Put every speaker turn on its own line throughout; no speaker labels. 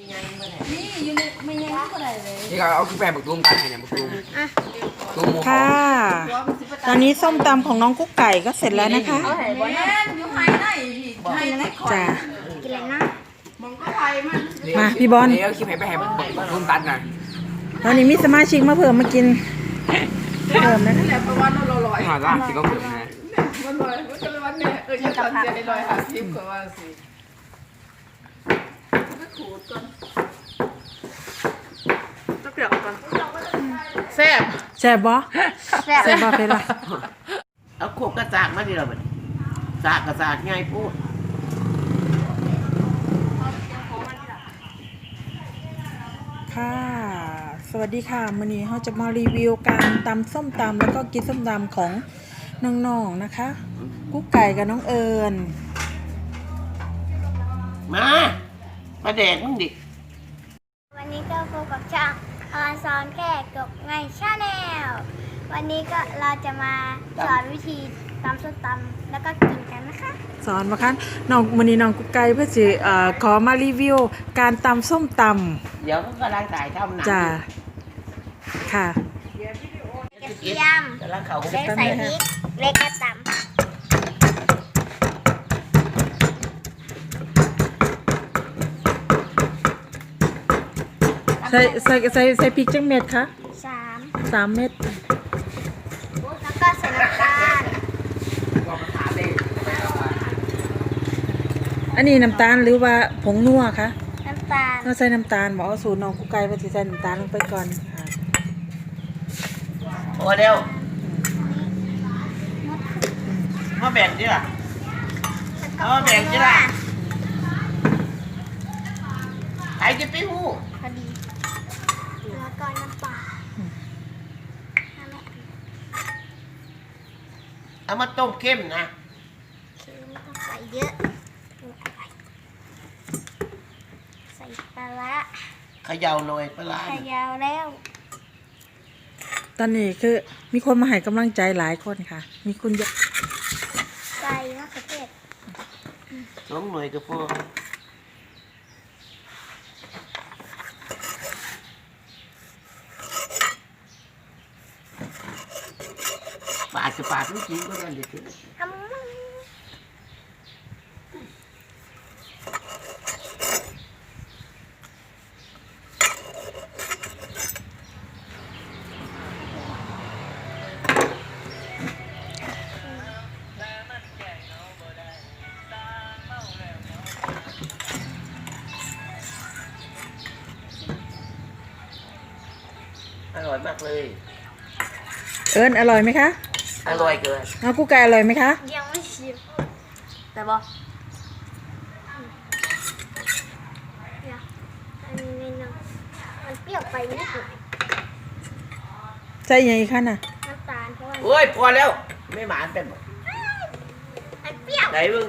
นี่อยู่ในไม่ยังก็ได้เลย
นี่ก็เอาขึ้นไปบักตูมกันให้เนี่ยบักตูมตูมหมู
ค่ะ ตอนนี้ส้มตำของน้องกุ๊กไก่ก็เสร็จแล้วนะคะ
แม่อยู่ไฮไหนพี่ไฮไหนคอย
จ้า
กินอะไรนะ
มองก็ไฮมัน
มาพี่บอล
นี่เอาขึ้นไปให้บักตูมตัดหน่อย
ตอนนี้มีสมาชิกมาเพิ่มมากินเพิ่มนะคะ
นี่แหละประมาณเราลอย
หน่อยละสิก็เพิ่มนะ
มันลอยมันก็เลยวันนี้จะตัดเสียลอยหาทิพย์กว่าสิก็ขูดก่อนตะเกียบก่อนแซ่บ
แซ่บบ่
แซ่บ
แซ่บบ่เพล่ะ
เอาโคกกระจากมาดิเราบัดจากกระจากง่ายพูด
ค่ะ สวัสดีค่ะมื้อนี้เราจะมารีวิวการตำส้มตำแล้วก็กินส้มตำของน้องๆนะคะ กุ๊กไก่กับน้องเอิญ
มาแดกมึงดิ
วันนี้ก็พบกับช่างออนซอนแก่กบไงชาแนลวันนี้ก็เราจะมาสอนวิธีตำส้มตำแล้วก็กินกันนะคะ
สอนมาคันน้องมื้อนี้น้องกุ๊กไก่เพื่อสิขอมารีวิวการตำส้มต
เดี๋ยวเขากำลังถ่ายทำหนั
ำจ้าค่ะ
กระเทียม
กำลังเขา
เล็กใส่พริกเล็กกระต
ใส่พริกจังเม็ดคะ
ำ
3 เม็ด
แล้วก็ใส่น้ำตาล
อันนี้น้ำตาลหรือว่าผงนัวคะ
น้ำตาล
เราใส่น้ำตาลบอกเอาสูตรน้องกุ๊กไก่ว่าสิใส่น้ำตาลลงไปก่อนค่ะ
โอ้เร็วมาแบ่งดิล่ะเอามาแบ่งดิล่ะใครจะไปหู้
พอดีแล้วก็น้ำปลาน้ำแม่
เอามาต้มเข้มนะ
คือไม่ต้องใส่เยอะใส่ปลาร้า
เขย่าหน่อยปลาร้า
ขยาวแล้ว
ตอนนี้คือมีคนมาให้กำลังใจหลายคนค่ะ มีคุณยก
ใส่มะเขือเทศ
สองหน่วยก็พอปาดจะปาดไม่จริงก็ได้เด็ด
ทำมึง
อร่อยมากเลย
เอิญอร่อยไหมคะ
อร่อยเกิน
น้องกุ๊กไก่อร่อยไหมคะ
ยังไม่ชิม
แต่บอก
เนี่ยอันนี้เนาะมันเปรี้ยวไปนิดหน่อย
ใส่ยังไงคะน่ะ
น้ำตาลเพราะว่า
โอ้ยพอแล้ว ไม่หมานเป็นหมด
มันเปรี้ยว
ไหนมึง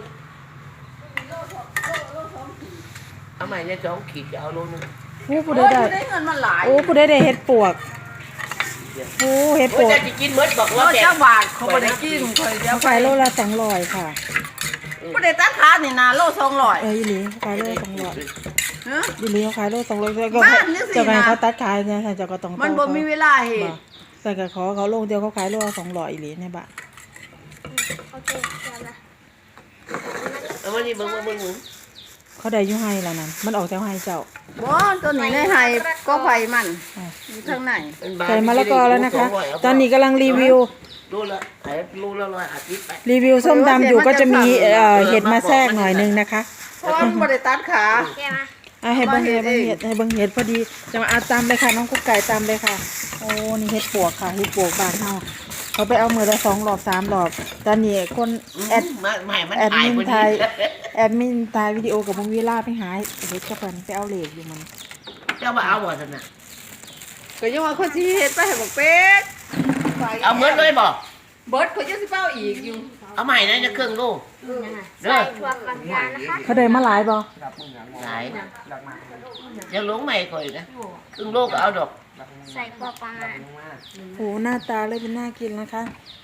เอาใหม่เนี่ย2 ขีดจะเอาโลนึง
โอ้ผู้
โอ้
ใด
ย
ได้
ได้เงินมาหลาย
โอ้ผู้ใดได้เห็ดปวกโอ้เห็ด
โอ้
ป
ยว
ก
จะกินเบิดบอก
โล
ว่าแบ่ง
เจ้าบาทเขาไม่ได้กินคอยเดียว
ขายโลละ200ค่ะ
ไม่ได้ตัดขานี่นะโล200
อีหลีขายโล200
ฮะ
อีหลีเขาขายโล200ก็
บ้านนี่สินะ
เจ้ากันเขาตัดขายเนี่ยเจ้าก็ต้อง
มันบ่มีเวลาเห
บ่
ตุ
แต่ก็ขอเขาลงเดียวเขาขายโลละ200อีหลีในบ้าน
โอเคเดี๋ยวนะ
เอามานี่มึง
เขาได้อยู่ให้แล้วนั่นมันออกจากให้เจ้า
บ่ตัวนี้ในไฮก็ไฟมันอยู่ข้างใน
ใส่มะละกอแล้วนะคะ ตอนนี้กำลังรีวิว
รูละไอ้รูละ150ไป
รีวิวส้มตำอยู่ก็จะมีเห็ดมาแทรกหน่อยนึงนะคะ
เพราะว่ามันบ่ได้ตัดขา
แกมา
ให้เบิ่งเห็ดพอดีจะมาเอาตามเลยค่ะน้องกุ๊กไก่ตามเลยค่ะโอ้นี่เห็ดปวกค่ะเห็ดปวกบ้านเฮาเขาไปเอามือละ2 รอบ 3 รอบตอนนี้คนแอด
ไม่มัน
แอด
ถ่าย
มิน
พอ
ไท
ดี
ยแอดมินไทยวิดีโอกับมึงเวลาไปหาเห็ดกับเพิ่นไปเอาเหล็กอยู่มัน
เจ้ามาเอาบ่ท่านน่ะ
ก็ยังว่าคนสิเฮ็ดไปให้บอกเป็ด
เอาเบิดเลยบ่
เบิดเขาจะสิเป้าอีกอยู่
เอาใหม่นะจะครึ่งโล
ใส่ถั่วฝักยาวนะคะ
เขาได้มาหลายบ่
หลายยังหลงใหม่ก่อนนะครึ่งโลก็เอาดอก
ใส่พอประมาณ
โอ้หน้าตาเลยเป็นน่ากินนะคะ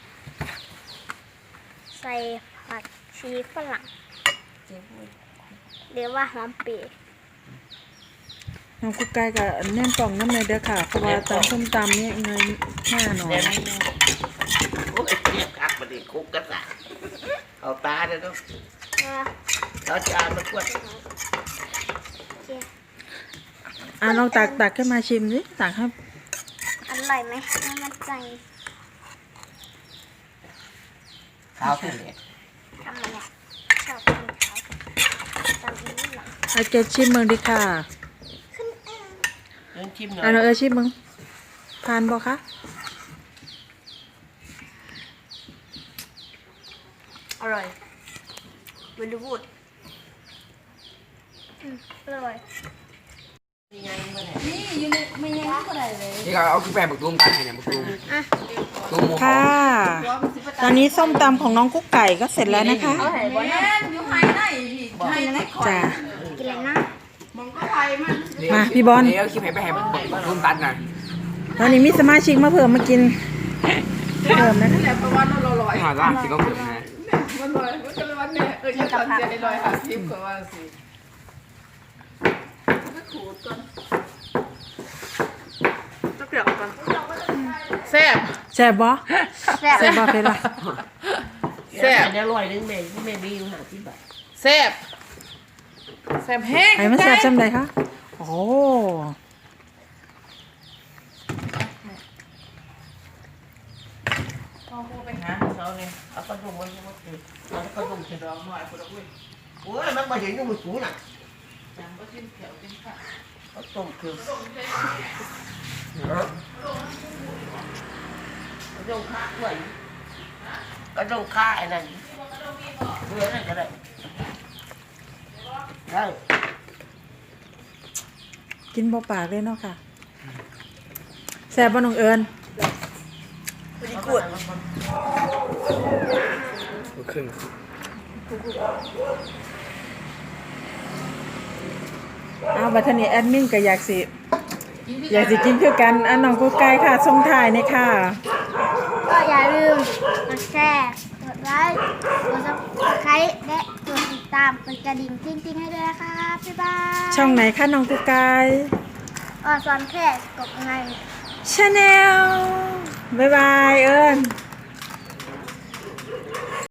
ใส่ผักชีฝรั่งหรือว่าหอมเปียก
น้องกุ๊กไก่กับแนมกล่องน้ำเลยเด้อค่ะเพราะว่าตำส้มตำเนี่ยเงินแน่นอน
เดี๋ยวนี้โอ้ยเรียกคักมาดิคุกกันละเอาตาเดี๋ยวต้องเอาจานมาขวด
ลองตักขึ้นมาชิมสิตักให้
อร่อยไหมไม่มั่นใจ
ข้าวที่นี่
ทำอะไรชอบกินเขาตำนี้เหรอ
เอาเกชิมมึงดิค่ะ
ขึ้น
เรื่องชิมหน่อย
น้องชิมมึงทานบ่คะ
อร่อยเวลูบูดอร่อย
ยังไงมาเนี่ย
นี่ก็เอาขึ้นไปบักตูมกันให้เนี่ยบักตูมตูมหมูหอ
ค่ะ
ม
ตอนนี้ส้มตำของน้องกุ๊กไก่ก็เสร็จแล้วนะคะ
แม่อยู่ไฮได้พี่ไฮได้คอย
จ้า
กินอะไรนะ
มองก็ไฮมัน
มาพี่บอล
นี่เอาคลิปให้ไปให้บักตูมตัดหน่อย
ตอนนี้มีสมาชิกมาเพิ่มมากินเพิ่มนะคะ
นั่นแหละประวัติเราลอย
หาล่างที่ก็เกิดนะ
มันลอยมันก็เลยวันเนี่ยจะสอนเสียให้ลอยค่ะทิพย์กว่าสิก็ขูดก่อนต้องเปลี่ยนก่อนแซ่บ
แซ่บบ่
แซ่บ
แซ่บบ่เฟล่ะ
แซ่บเดี๋ยวอร่อยนึงแม่แม่มีอยู่50 บาท
แซ่บแซ่บแห้ง
ไอ้มันแซ่บจังไดคะโอ้
ฮะเขาเนี่ยเอากระดุมมันมาคือเอากระดุมเสร็จแล้วหน่อยคนละอุ้ยโอ้ยมันมาเห็นอยู่มือสูงน่ะเขาต้มคือกระดุมข้าด้วยกระดุมข้าไอ้นั่นเรือนั่นก็ได้ได้
กินบ่ปากเลยเนาะค่ะแซ่บบ่น้องเอิญ
กูด
ครึ่ง
บัดทีนี้แอดมินก็อยากสิกินคือกันน้องกุ๊กไก่ค่ะส่งถ่ายนี่ค่ะ
ก็อย่าลืมกดแชร์กดไลค์กดซับสไครต์และกดติดตามกดกระดิ่งติ๊งๆให้ด้วยนะคะบ๊ายบาย
ช่องไหนคะน้องกุ๊กไก่
สอนแค่กดไง
ชาแนลบ๊ายบายเอิญ